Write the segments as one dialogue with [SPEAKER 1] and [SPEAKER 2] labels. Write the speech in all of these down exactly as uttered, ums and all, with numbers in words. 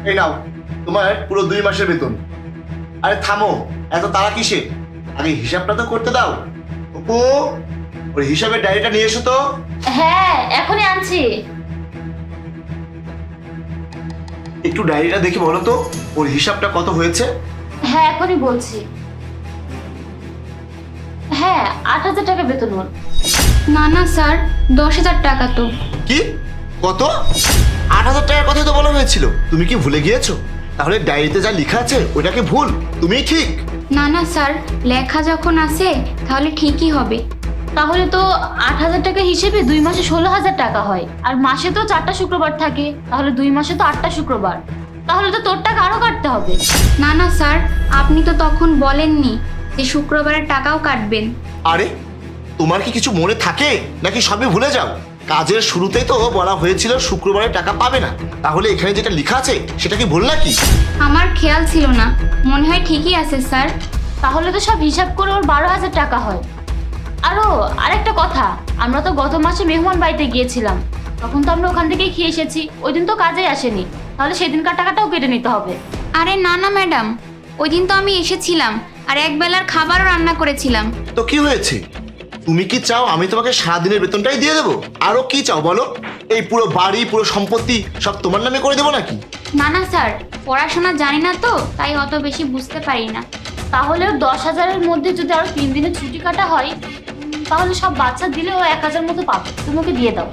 [SPEAKER 1] এই নাও তোমার পুরো দুই মাসের বেতন। আরে থামো, এত তাড়া কিসে? আগে হিসাবটা তো করতে দাও। অপু, ওর হিসাবের ডায়েরিটা নিয়ে এসো তো।
[SPEAKER 2] হ্যাঁ, এখনই আনছি।
[SPEAKER 1] একটু ডায়েরিটা দেখে বলো তো ওর হিসাবটা কত হয়েছে।
[SPEAKER 2] হ্যাঁ, এখনই বলছি। হ্যাঁ, আট হাজার টাকা বেতন ওর।
[SPEAKER 3] না না স্যার, দশ হাজার টাকা তো।
[SPEAKER 1] কি? কত? আট হাজার টাকার কথাই তো বলা হয়েছিল। তুমি কি ভুলে গিয়েছো? তাহলে ডায়েরিতে যা লেখা আছে ওটাকে ভুল, তুমিই ঠিক।
[SPEAKER 3] না না স্যার, লেখা যখন আছে তাহলে ঠিকই হবে।
[SPEAKER 2] তাহলে তো আট হাজার টাকা হিসেবে দুই মাসে ষোলো হাজার টাকা হয়, আর মাসে তো চারটা শুক্রবার থাকে, তাহলে দুই মাসে তো আটটা শুক্রবার। তাহলে তো তোর টাকা আরো কাটতে হবে।
[SPEAKER 3] না না স্যার, আপনি তো তখন বলেননি যে শুক্রবারের টাকাও কাটবেন।
[SPEAKER 1] আরে তোমার কি কিছু মনে থাকে নাকি সবই ভুলে যাও? কাজের শুরুতেই তো বলা হয়েছিল শুক্রবারে টাকা পাবে না, তাহলে এখানে যেটা লেখা আছে সেটা কি ভুল নাকি?
[SPEAKER 3] আমার খেয়াল ছিল না, মনে হয় ঠিকই আছে স্যার।
[SPEAKER 2] তাহলে তো সব হিসাব করে ওর বারো হাজার টাকা হয়। আরো আরেকটা কথা, আমরা তো গত মাসে মেহমান বাড়িতে গিয়েছিলাম, তখন তো আমরা ওখান থেকেই খেয়ে এসেছি, ওই দিন তো কাজে আসেনি, তাহলে সেদিনকার টাকাটাও কেটে নিতে হবে।
[SPEAKER 3] আরে না না ম্যাডাম, ওই দিন তো আমি এসেছিলাম আর এক বেলার খাবারও রান্না করেছিলাম।
[SPEAKER 1] তো কি হয়েছে? তুমি কি চাও আমি তোমাকে সারাদিনের বেতনটাই দিয়ে দেবো? আরো কি চাও বলো? এই পুরো বাড়ি পুরো সম্পত্তি সব তোমার নামে করে দেবো নাকি?
[SPEAKER 3] না না স্যার, পড়াশোনা জানি না তো, তাই অত বেশি বুঝতে পারি না।
[SPEAKER 2] তাহলে ওর দশ হাজারের মধ্যে যদি আরো তিন দিনের ছুটি কাটা হয়, উম, তাহলে সব বাচ্চা দিলে ও এক হাজার মতো পাবে। তুমি ওকে দিয়ে দাও।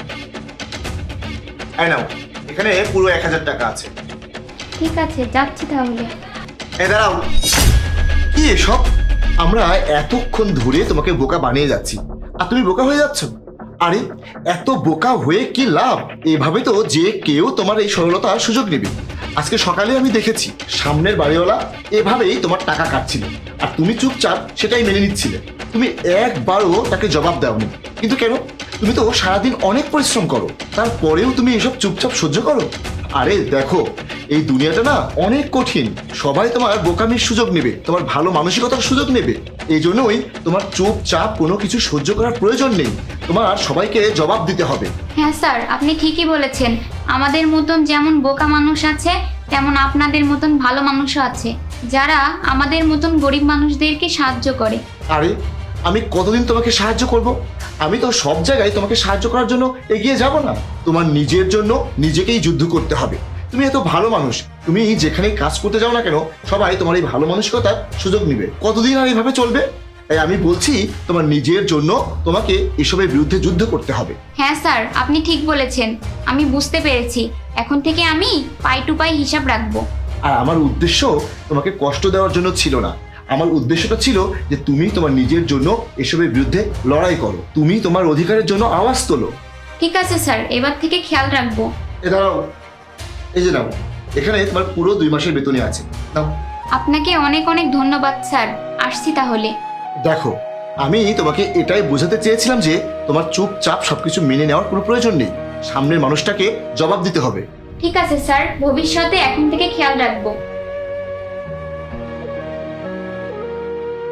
[SPEAKER 1] এই নাও, এখানে পুরো এক হাজার টাকা আছে।
[SPEAKER 3] ঠিক আছে, যাচ্ছি তাহলে।
[SPEAKER 1] এই দাঁড়াও, কি এসব? আমরা এতক্ষণ ধরে তোমাকে বোকা বানিয়ে যাচ্ছি আর তুমি বোকা হয়ে যাচ্ছ। আরে এত বোকা হয়ে কি লাভ? এভাবে তো যে কেউ তোমার এই সরলতার সুযোগ নেবে। আজকে সকালে আমি দেখেছি সামনের বাড়িওয়ালা এভাবেই তোমার টাকা কাটছিল আর তুমি চুপচাপ সেটাই মেনে নিচ্ছিলে। তুমি একবারও তাকে জবাব দাওনি, কিন্তু কেন? তুমি তো সারাদিন অনেক পরিশ্রম করো, তারপরেও তুমি এসব চুপচাপ সহ্য করো। আরে দেখো, এই দুনিয়াটা না অনেক কঠিন। সবাই তোমার বোকামির সুযোগ নেবে, তোমার ভালো মানসিকতার সুযোগ নেবে। এই জন্যই তোমার চুপচাপ কোনো কিছু সহ্য করার প্রয়োজন নেই, তোমার সবাইকে জবাব দিতে হবে।
[SPEAKER 3] হ্যাঁ স্যার, আপনি ঠিকই বলেছেন। আমাদের মতন যেমন বোকা মানুষ আছে, তেমন আপনাদের মতন ভালো মানুষও আছে, যারা আমাদের মতন গরিব মানুষদেরকে সাহায্য করে।
[SPEAKER 1] আরে আমি কতদিন তোমাকে সাহায্য করব? আমি তো সব জায়গায় তোমাকে সাহায্য করার জন্য এগিয়ে যাব না। তোমার নিজের জন্য নিজেকেই যুদ্ধ করতে হবে। তুমি এত ভালো মানুষ, তুমি যেখানে কাজ করতে যাও না কেন সবাই তোমার এই ভালো মানসিকতার সুযোগ নিবে। কতদিন আর এইভাবে চলবে? তাই আমি বলছি তোমার নিজের জন্য তোমাকে এসবের বিরুদ্ধে যুদ্ধ করতে হবে।
[SPEAKER 3] হ্যাঁ স্যার, আপনি ঠিক বলেছেন, আমি বুঝতে পেরেছি। এখন থেকে আমি পাই টু পাই হিসাব রাখবো।
[SPEAKER 1] আর আমার উদ্দেশ্য তোমাকে কষ্ট দেওয়ার জন্য ছিল না, আমার উদ্দেশ্যটা ছিল যে তুমি তোমার নিজের জন্য এসবের বিরুদ্ধে লড়াই করো, তুমি তোমার অধিকারের জন্য আওয়াজ তোলো।
[SPEAKER 3] ঠিক আছে স্যার, এবার থেকে খেয়াল রাখবো।
[SPEAKER 1] এ দাঁড়াও, এই যে নাও, এখানে তোমার পুরো দুই মাসের বেতনই আছে, নাও।
[SPEAKER 3] আপনাকে অনেক অনেক ধন্যবাদ স্যার, আসছি তাহলে।
[SPEAKER 1] দেখো, আমি তোমাকে এটাই বোঝাতে চেয়েছিলাম যে তোমার চুপচাপ সবকিছু মেনে নেওয়ার কোনো প্রয়োজন নেই, সামনের মানুষটাকে জবাব দিতে হবে।
[SPEAKER 3] ঠিক আছে স্যার, ভবিষ্যতে এখন থেকে খেয়াল রাখবো।